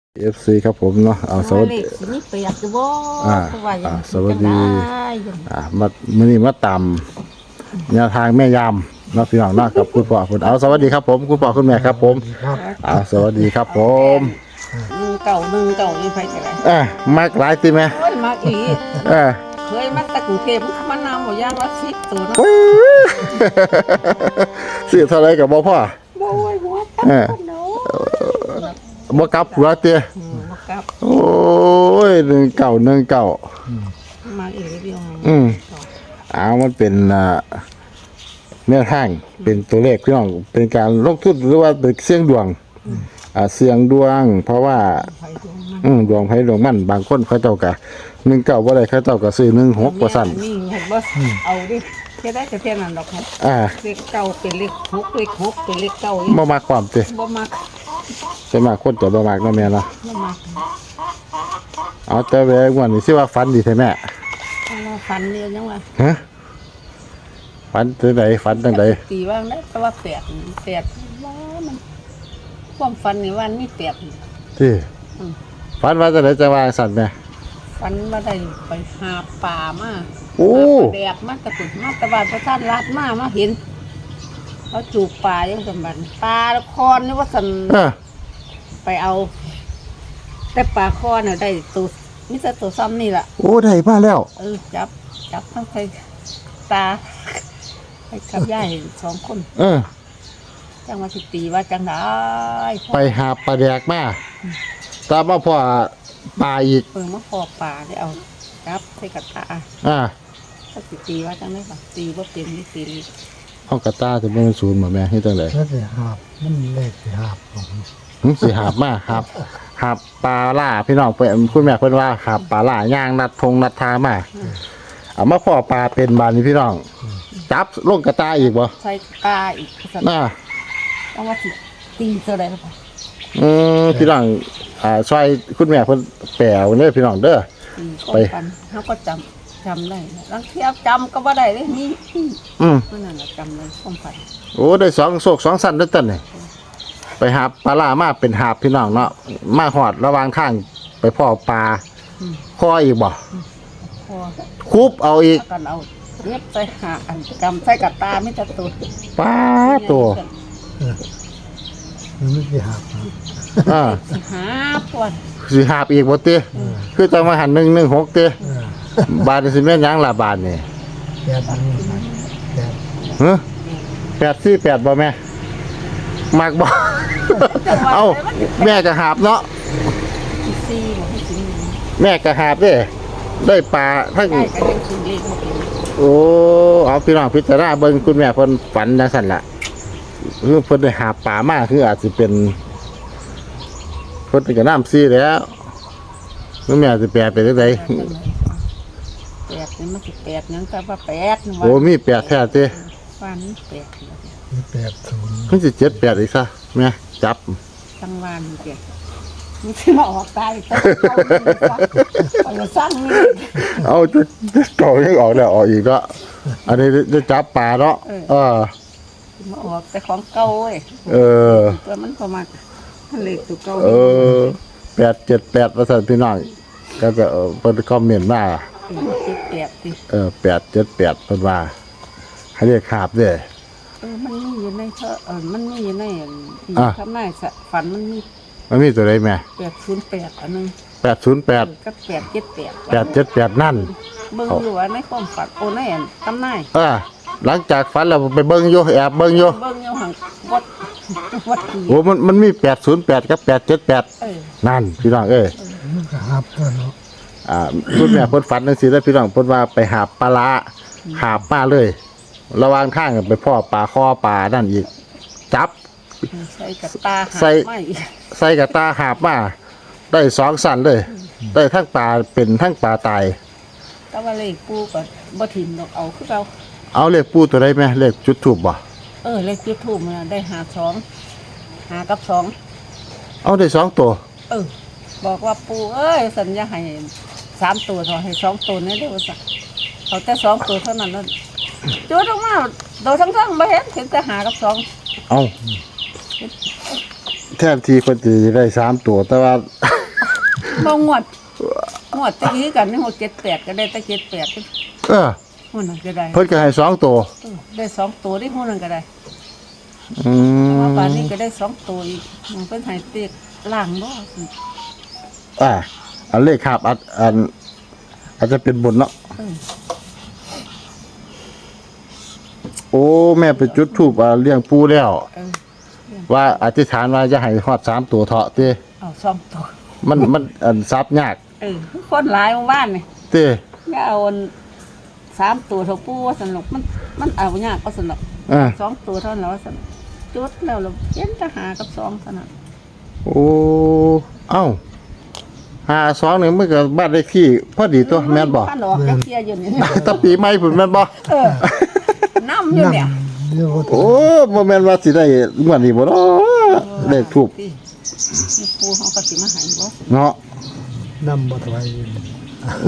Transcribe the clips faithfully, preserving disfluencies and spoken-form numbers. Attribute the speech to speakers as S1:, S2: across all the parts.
S1: เอฟซีครับผมเนาะเอาสวัสดี
S2: นี่เปียกจะบ่
S1: อ่า
S2: อ่า
S1: สวัสดีอ่ามามื่อนี้มาตามแนวทางแม่ยามเนาะพี่น้องเนาะกับคุณพ่อคุณเอาสวัสดีครับผมคุณพ่อคุณแม่ครับผมเอาสวัสดีครับผม
S2: หนึ่งเก่าหนึ่งเก่านี่ไผจะไร
S1: อ่ามากหลายตีไหม
S2: โอ้ยมาอีก
S1: เออ
S2: เคยมาแต่กรุงเทพมันนำบ่ย่างละสิบตัวเนาะ
S1: ซื้อเท่าไรกับบ่พ่อ
S2: บ่โอ้ยบ่ตัก
S1: เออ
S2: คนเนาะ
S1: บ่กลับหัวเตี้ย
S2: อืมบ่กลับ
S1: โอ้ยหนึ่งเก่าหนึ่งเก่า
S2: มาอีกเดียว
S1: อืมเอามันเป็นอ่าแนวทางเป็นตัวเลขพี่น้องเป็นการลงทุนหรือว่าเป็นเสี่ยงดวงอ่าเสี่ยงดวง เพราะว่า
S2: ไผดวงมัน
S1: อืมดวงไผดวงมันบางคนเขาเจ้าก็หนึ่งเก้าบ่ได้เขาเจ้าก็ซื้อหนึ่งหกว่าซั่น
S2: นี่เห็นบ่เอาดิเฮ็ดได้แต่เท่านั้นดอกครับ
S1: อ่า
S2: เลขเก้าเป็นเลขหกเลขหกเป็นเลขเก้าอีก
S1: บ่มักความติ
S2: บ่มัก
S1: ใช่มากคนจะบ่มักเนาะแม่เนาะ
S2: บ่มัก
S1: เอาแต่แวงวันนี้สิว่าฝันดีแท้แม่
S2: เอาล่ะฝันเนี่ยจังว่า
S1: ฮะฝันจังไดฝันจังได
S2: ตีว่างได้แต่ว่าแปดแปดว่ามันความฝันในวันนี้แปด
S1: ที่ฝันว่าจังไดจะว่าสั่นแม่
S2: ฝันว่าได้ไปหาป่ามา
S1: โอ้
S2: หาปลาแดกมาตะกุดมาตะบานพระท่านรัดมามาเห็นเขาจูบปลายังสมบัติปลาคอนนี่ว่าสัน
S1: เออ
S2: ไปเอา แต่ปลาคอนน่ะได้ตัวนี่จะตัวซ้ำนี่แหละ
S1: โอ้ได้มาแล้ว
S2: เออจับจับทั้งใครตาไปกับย่ายสองคน
S1: เออ
S2: จังว่าสิตีว่าจังได้
S1: ไปหาปลาแดกมาตามมาพ่อปลาอีก
S2: เปิดมาพอปลาได้เอาจับใส่กับตา
S1: อ่า
S2: ถ้าสิตีว่าจังได้ปะตีว่าเป็นนี่ตีลี
S1: ห้องกระต้าจะเป็นศูนย์บ่แม่เฮ็ดจังได
S3: แล้วสิหาบมันเลขสิหาบผม
S1: หึสิหาบมาครับหาบปลาล่าพี่น้องเพิ่นคุณแม่เพิ่นว่าหาบปลาล่าย่างนัดทงนัดทามาเอามาพ่อปลาเป็นบานนี้พี่น้องจับลงกระต้าอีกบ่
S2: ใส่ปลาอีกสัน
S1: น่า
S2: จังว่าสิตีเท่าไรล่ะปะ
S1: อืมพี่น้องอ่าช่วยคุณแม่เพิ่นแปลวเด้อพี่น้องเด้อ
S2: ตีก็
S1: ไป
S2: ปันเขาก็จำจำได้ลังเทียบจำก็บ่ได้เลยนี่
S1: อืม
S2: นั่นน่ะจำเลยความฝัน
S1: โอ้ได้สองโศกสองสันเด้อตันนี่ไปหาปลาล่ามาเป็นหาบพี่น้องเนาะมาหอดระหว่างทางไปพ่อปลาพ่ออีกบ่
S2: พอ
S1: คุบเอาอีก
S2: กันเอาเรียบใส่หาอันจำใส่กับตาไม่จะตุด
S1: ปลาตัว
S3: มันไม่สิหาบนะ
S1: อ่า
S2: สิหาปวด
S1: สิหาบอีกบ่ติคือจังมาหันหนึ่งหนึ่งหกติ
S3: เออบ
S1: าทนี่สิแม่นหยังล่ะบาทนี่
S3: แปดอันนี้แปด
S1: ฮะแปดสี่แปดบ่แม่มักบ่ เอ้าแม่ก็หาบเนาะ
S2: สิซีบอกให้สิ
S1: แม่ก็หาบเด้ได้ปลาทั้ง
S2: ได้ก็ยังสิเลขบ่เป็น
S1: โอ้เอาพี่น้องพิจารณาเบิ่งคุณแม่เพิ่นฝันจังซั่นล่ะคือเพิ่นได้หาปลามาคืออาจสิเป็นเพิ่นก็น้ำซีแล้วคุณแม่สิแปลเป็นจังได
S2: แปดนี่มันสิแปดหยังแต่ว่าแปดนี่ว่า
S1: โอ้มีแปดแท้ติ
S2: ว่านี่แปดนี่
S3: มีแปดศูนย์
S1: มันสิเจ็ดแปดอีกซะแม่จับ
S2: จังหวานนี่แปดมันสิมาออกตายแต่เอาไปสร้างนี่
S1: เอาจะจะเก่ายังออกแล้วออกอีกแล้วอันนี้จะจับปลาเนาะเออ
S2: มาออกแต่ของเก่าเว้ย
S1: เออ
S2: ตัวมันประมาณมันเล็กตัวเก่า
S1: เออแปดเจ็ดแปดประสานพี่น้องก็จะเออเพิ่นคอมเมนต์มา
S2: เจ็ดแปดสิ
S1: เออแปดเจ็ดแปดเพิ่นว่าให้เรียกขาบเด้อ
S2: เออมันมีอยู่ในเธอเออมันมีอยู่ใน
S1: อ่ะ
S2: ทำนายสะฝันมันมี
S1: มันมีตัวใดแม่
S2: แปดศูนย์แปดอันนึง
S1: แปดศูนย์แปด
S2: กับแปดเจ็ดแปด
S1: แปดเจ็ดแปดนั่น
S2: เบิ่งอยู่ว่าในความฝันโอ้ในอันตำนาย
S1: เออหลังจากฝันแล้วไปเบิ่งอยู่แอบเบิ่งอยู่
S2: เบิ่งอยู่หังวัดวัดกี่
S1: โอ้มันมันมีแปดศูนย์แปดกับแปดเจ็ดแปด
S2: เออ
S1: นั่นพี่น้องเอ้ย
S3: มันก็หาบตัวเนาะ
S1: อ่าคุณแม่เพิ่นฝันจังซี่แล้วพี่น้องเพิ่นว่าไปหาปลาร้าหาปลาเลย ระหว่างทางไปพ่อปลาคอปลานั่นอีกจับ
S2: ใส่กับตาหา
S1: ใส่
S2: ไม่
S1: ใส่กับตาหาบมาได้สองสันเลย ได้ทั้งปลาเป็นทั้งปลาตาย
S2: แต่ว่าเลขปูก็บ่ถิ่มดอกเอาคือเรา
S1: เอาเลขปูตัวใดไหมเลขจุดถูกบ่
S2: เออเลขจุดทูบมันได้หาสองหากับสอง
S1: เอาได้สองตัว
S2: เออ บอกว่าปูเอ้ยสัญญาให้สามตัวเท่าให้สองตัวนี่เด้อว่าสักเอาแต่สองตัวเท่านั้นนั่นจุดออกมาโดยทั้งทั้งๆบ่เห็นเห็นแต่หากับสอง
S1: เอาแทนทีคนจะได้สามตัว แต่ว่า
S2: บ่งวดงวดตะกี้กันนี่หกเจ็ดแปดก็ได้ตะเจ็ดแปด
S1: เออ
S2: หุ่นนก็ได้
S1: เพิ่นก็ให้สองตัว
S2: เออได้สองตัวได้หุ่นนก็ได้
S1: อื
S2: มาม ป่านนี้ก็ได้สองตัวอีกมันเป็นให้เตียกล่างบ่
S1: อ่าอันเลขคาบอันอันอาจจะเป็นบนเนาะ
S2: เออ
S1: โอ้แม่ไปจุดธูปอ่าเลี้ยงปูแล้ว
S2: เออ
S1: ว่าอธิษฐานว่าจะให้ฮอดสามตัวเถาะเต้
S2: เอาสองตัว
S1: มันมันอันซับยาก
S2: เออคนหลายหมู่บ้านนี่
S1: เต้
S2: ก็เอาอันสามตัวเท่าปูว่าสนุกมันมันเอายากก็สนุก
S1: อ่า
S2: สองตัวเท่านั้นว่าสนุกจุดแล้วเราเย็นทหารกับสองเท่านั้น
S1: โอ้เอ้าหาสองนี่มันก็บ้านเลขที่พอดีตัวแม่นบ่
S2: บ้านออกจักเที่ยอยู่นี่
S1: แตะปีใหม่พุ่นแม่นบ่
S2: เออน้ำอยู่เนี่ย
S3: เรียกว่า
S1: โอ้บ่แม่นว่าสิได้งวดนี้บ่เนาะเลขทูป
S2: นี่ปูเขาก็สิมาใหายบ่
S1: เนาะ
S3: นำมาถวาย
S1: โอ้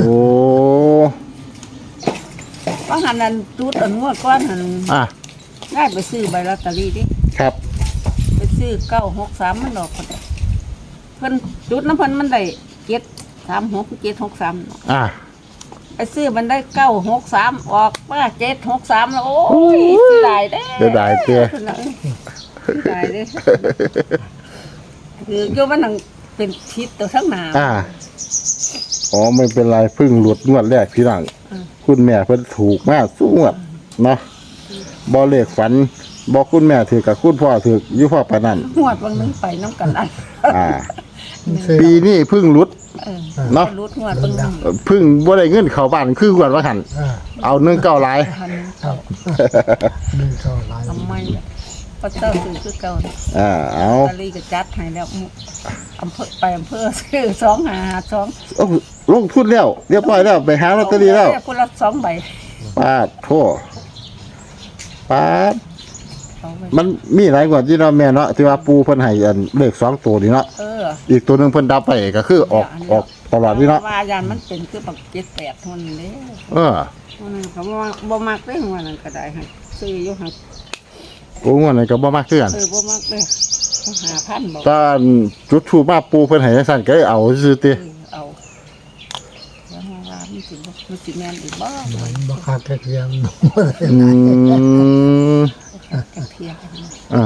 S2: ว่าหันนั้นจุดอันงวดก้อนหัน
S1: อ่ะ
S2: ได้ไปซื้อใบลอตเตอรี่ดิ
S1: ครับ
S2: ไปซื้อเก้าหกสามมันดอกคนเดียวเพิ่นจุดน้ำเพิ่นมันได้เจ็ดสามหกเจ็ดหกสาม
S1: อ่ะ
S2: ไปซื้อมันได้เก้าหกสามออกมาเจ็ดหกสามแล้วโอ้ยเสียดายเด้
S1: เสียดายเตี้ย
S2: เสียดายเด้คือโยมันนังเป็นทิศตัวทั้งหนา
S1: อ่ะอ๋อไม่เป็นไรเพิ่งหลุดงวดแรกพี่น้อง
S2: อืม
S1: คุณแม่เพิ่นถูกมากสู้งวดเนาะบ่เลขฝันบ่คุณแม่ถือกับคุณพ่อถืออยู่พ่อปานนั้น
S2: หวดบางนึงไปน้ำกันอัน
S1: อ่า
S3: ซื้อ
S1: ปีนี้เพิ่งหลุด
S2: เออ
S1: เนาะ
S2: รูดหวดบางนึง
S1: เพิ่งบ่ได้เงินเข้าบ้านคืองวดว่าหั่น
S3: อ่า
S1: เอาหนึ่งเก้าหลาย
S2: พันหนึ่ง
S3: ครับหนึ่งเท่าไร
S2: ทำไมเนี่ยพระเจ้าซื้อคือเก่าเนี่ย
S1: อ่าเอา
S2: ตะลีก็จัดให้แล้วอำเภอไปอำเภอซื้อสองหาสอง
S1: โอ้ลงทุนแล้วเรียบร้อยแล้วไปหาลอตเตอรี่แล้ว
S2: คนละสองใบ
S1: ปาดโทปาด
S2: สองใบ
S1: มันมีหลายกว่าที่เนาะแม่เนาะที่ว่าปูเพิ่นให้อันเลขสองตัวนี่เนาะ
S2: เออ
S1: อีกตัวหนึงเพิ่นดับไปก็คือออกออกตลอดนี่เนาะ
S2: ว่ายานมันเป็นคือแบบเจ็ดแปดเทานนเด้
S1: เออ
S2: วันนั้นเขาบ่มักบ่มักได้หัวนั่นก็ได้ให้ซื้ออยู่หัก
S1: โอ้งวดนั้นก็บ่มากคือกัน
S2: เออบ่มักเลยหาพันบอก
S1: ตอนจุดทูปมาปูเพิ่นให้จังซั่นก็เลยเอาซื่อๆติ
S2: เออเอาแล้วมาว่ามันสิบ่มันสิแม่นอีกบ่
S3: มันบักคักแค่เพียง
S1: อืม
S2: กระเทียม
S1: อ่า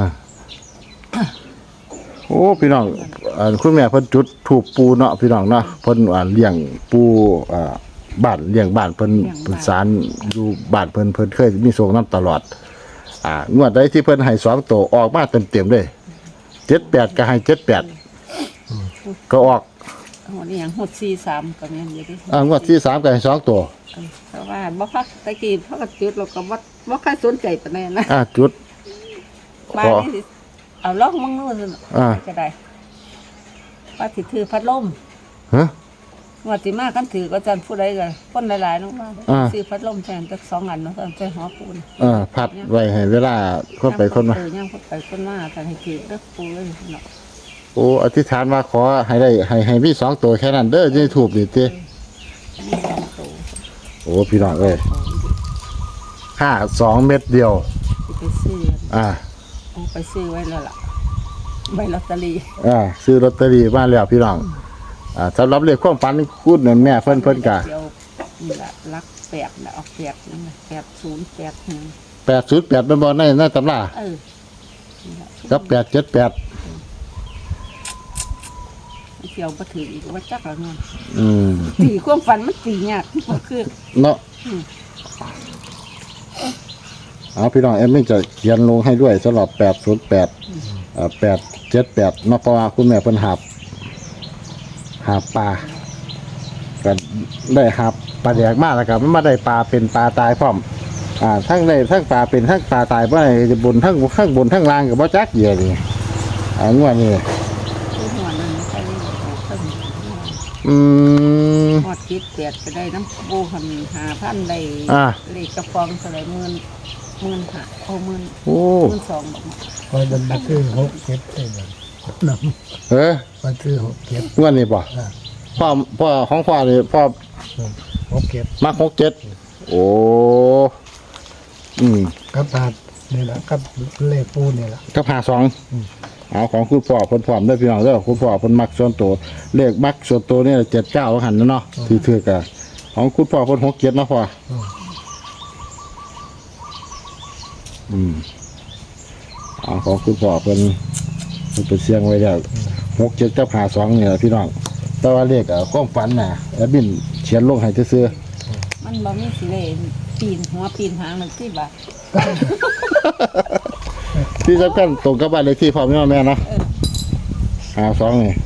S1: โอ้พี่น้องอ่าคุณแม่เพิ่นจุดถูกปูเนาะพี่น้องเนาะเพิ่นอ่าเลี้ยงปูอ่าบ้านเลี้ยงบ้านเพิ่นเพิ่นสารอยู่บ้านเพิ่นเพิ่นเคยมีโชคนํตลอด อ่างวดใดที่เพิ่นให้สองตัวออกมาเต็มๆเลยเจ็ดแปดก็ให้เจ็ดแปดก็ออก
S2: หัวนี่หยังหดสี่สามก็แม่นอยู่ดิ
S1: อ่างวดที่สามก็ให้สองตัว
S2: เออเพราะว่าบ่คักตะกี้เพราะก็จุดเราก็บ่บ่ค่อยสนใจปานนั้นนะ
S1: อ่าจุด
S2: บ้านนี้สิเอาลองมึงนู่นสิ
S1: อ่า
S2: ก็ได้ว่าสิถือพัดลม
S1: ฮะ
S2: งวดสิมากันถือก็จันผู้ใดก็คนหลายๆน้องว่า
S1: อ่า
S2: ซื้อพัดลมแทนจักสองอันเนาะใส่หอปูน
S1: อ่าพัดไว้ให้เวลาคนไปคนมา
S2: เออย่างคนไปคนมาแต่ให้ถือเด้อปูเลยเนาะ
S1: โอ้อธิษฐานว่าขอให้ได้ให้ให้มีสองตัวแค่นั้นเด้อจะได้ถูกดีติ
S2: มีสองตัว
S1: โอ้พี่น้องเอ้ยห้าสองเม็ดเดียว
S2: สิไปซื้อ
S1: อ่า
S2: เอาไปซื้อไว้แล้วล่ะใบลอตเตอรี่
S1: อ่าซื้อลอตเตอรี่มาแล้วพี่น้องอ่าสำหรับเลขความฝันพูดนั่นแม่เพิ่นเพิ่นกะ
S2: เดี๋ยวนี่ละลักแปดนะเอาแปดนั่นน่ะแปดศูนย์แปดหนึ่ง
S1: แปดศูนย์แปดเป็นบอลในในตำรา
S2: เออนี่ล่ะ
S1: กับแปดเจ็ดแปด
S2: เที่ยวมาถืออีกว่าจักละเงิน
S1: อืม
S2: ตีความฝันมันตียากมันคือ
S1: เนาะ
S2: อืม
S1: เอาพี่น้องเอ็มไม่จะเขียนลงให้ด้วยสำหรับแปดศูนย์แปดอ่าแปดเจ็ดแปดเนาะเพราะว่าคุณแม่เพิ่นหาบหาบปลาก็ได้หาบปลาแดกมากแล้วครับมันมาได้ปลาเป็นปลาตายพร้อม อ่าทั้งได้ทั้งปลาเป็นทั้งปลาตายบ่ได้บนทั้งข้างบนทั้งล่างกับบ่จักเดียวนี่อ่างวดนี้
S2: คือหัวนั้นใช่ไหมโอ้ตึ้ง
S1: อืม
S2: หอดคิดแปดก็ได้น้ำโบหันหาพันได้
S1: อ่า
S2: เลขกระฟองเท่าไหร่หมื่นหมื่นห้าโอ้หมื่น
S1: โอ้
S2: หมื่นสองบอกมา
S3: คอยดันมาซื้อหกเจ็ดได้เลยน
S1: เอ้ย
S3: ำมาซื้อหกเจ็ด
S1: งวดนี้บ่
S3: อ่า
S1: พ่อพ่อของพ่อนี่พ่อ
S3: หกเจ็ด
S1: มักหกเจ็ดโอ้อืม
S3: กับตาดนี่แหละกับเลขปูนี่แหละ
S1: ก็พาสอง
S3: อืม
S1: อเอาของคุณพ่อเพิ่นพร้อมเด้อพี่น้องเด้อคุณพ่อเพิ่นมักส่วนตัวเลขมักส่วนตัวนี่เจ็ดเก้าหันนะเนาะที่ถือกะของคุณพ่อเพิ่นหกเจ็ดเนาะพ่ออืมเอาของคุณพ่อเพิ่นเพิ่นไปเสียงไว้แล้วหกเจ็ดกับห้าสองเนี่ยพี่น้องแต่ว่าเลขอ่ะความฝันน่ะแอดมินเขียนลงให้ซื่อ
S2: มันบ่มีสิเลปีนหัวปีนหางนั่นสิบ่ะ
S1: ๆที่สำคัญตรงกับบ้านเลขที่พ่อแม่แม่เนาะ
S2: เออ
S1: ห้าสองนี่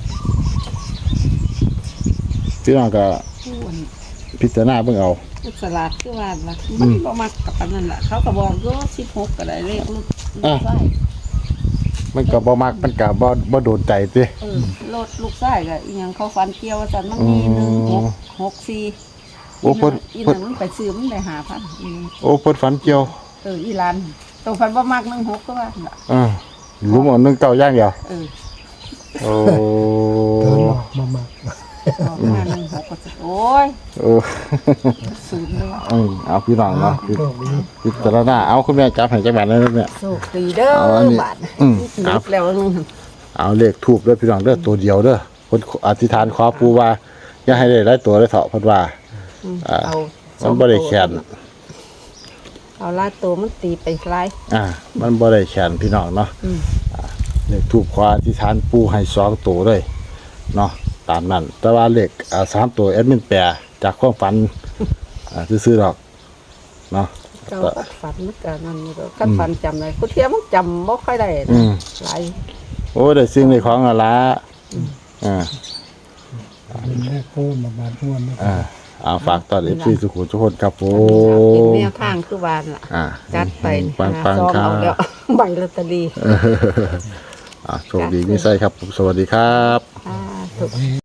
S1: พี่น้องก็
S2: ผู้อัน
S1: พิจารณาเบิ่งเอา
S2: ลูกสลัดคือว่าล่ะมันบ่มักกับอันนั้นล่ะเขาก็บอกอยู่สิบหกก็ได้เลขลูกลูกไส้
S1: มันก็บ่มักมันก็บ่บ่โดนใจติ
S2: เออรถลูกไส้ก็อีหยังเขาฟันเกี่ยวว่าซั่นมันมีหนึ่งหกหกสี่
S1: โอ้เพิ่น
S2: อี
S1: เพิ่น
S2: นั่นมันไปซื้อมันได้ห้าพันอีนั่น
S1: โอ้เพิ่นฝันเกี่ยว
S2: เอออีหลานตัวฟันบ่มักหนึ่งหกก็ว่าล่ะ
S1: เออหลุมเอาหนึ่งเก้าอย่างเดียว
S2: เออ
S1: โอ้
S3: เดินออกมามา
S2: ออกมาหนึ่งหกก็จะโอ้ย
S1: เออ
S2: ศูนย์เลยว่ะ
S1: เออเอาพี่น้องเนาะ
S3: โชคดี
S1: พิจารณาเอาคุณแม่จับให้จังหวัดนั้นเนี่ย
S2: โชคดีเด้อ
S1: เอาอันนี้
S2: บาท
S1: อืม
S2: นับแล้วนึง
S1: เอาเลขทูบเด้อพี่น้องเด้อตัวเดียวเด้อเพิ่นอธิษฐานขอปู่ว่าอย่าให้ได้หลายตัวได้เถาะเพิ่นว่า อ่า
S2: เอา
S1: มันบ่ได้แขน
S2: เอาลาดตัวมันตีไปหลาย
S1: อ่า มันบ่ได้แขนพี่น้องเนาะ
S2: อืม
S1: เลขทูบขออธิษฐานปู่ให้สองตัวเลยเนาะตามนั้น แต่ว่าเลขอ่าสามตัวแอดมินแปลจากความฝันอ่าซื่อๆดอกเนาะ
S2: เจ้าก็ฝันมันก็นั่นนี่ก็คันฝันจำได้กูเทียมมันจำบ่ค่อยได้
S1: อื
S2: นะ
S1: ม
S2: หลาย
S1: โอ้ได้สิ่งในของอะละอ่า
S3: เป็นแรกโค้มาบาดม้วนนะ
S1: อ่าเอาฝากตอนเอฟซีสุขุมทุกคนครับผ
S2: เป็น
S1: ม
S2: แนวทางคือวานล่ะ
S1: อ่า
S2: จัดไป
S1: ปังปัง
S2: ซอง
S1: ครั
S2: เอา
S1: บ
S2: แล้ว ใบลอตเตอรี่
S1: อ่าโชคดีมิไซครับผมสวัสดีครับ
S2: อ่าถูก
S3: นี่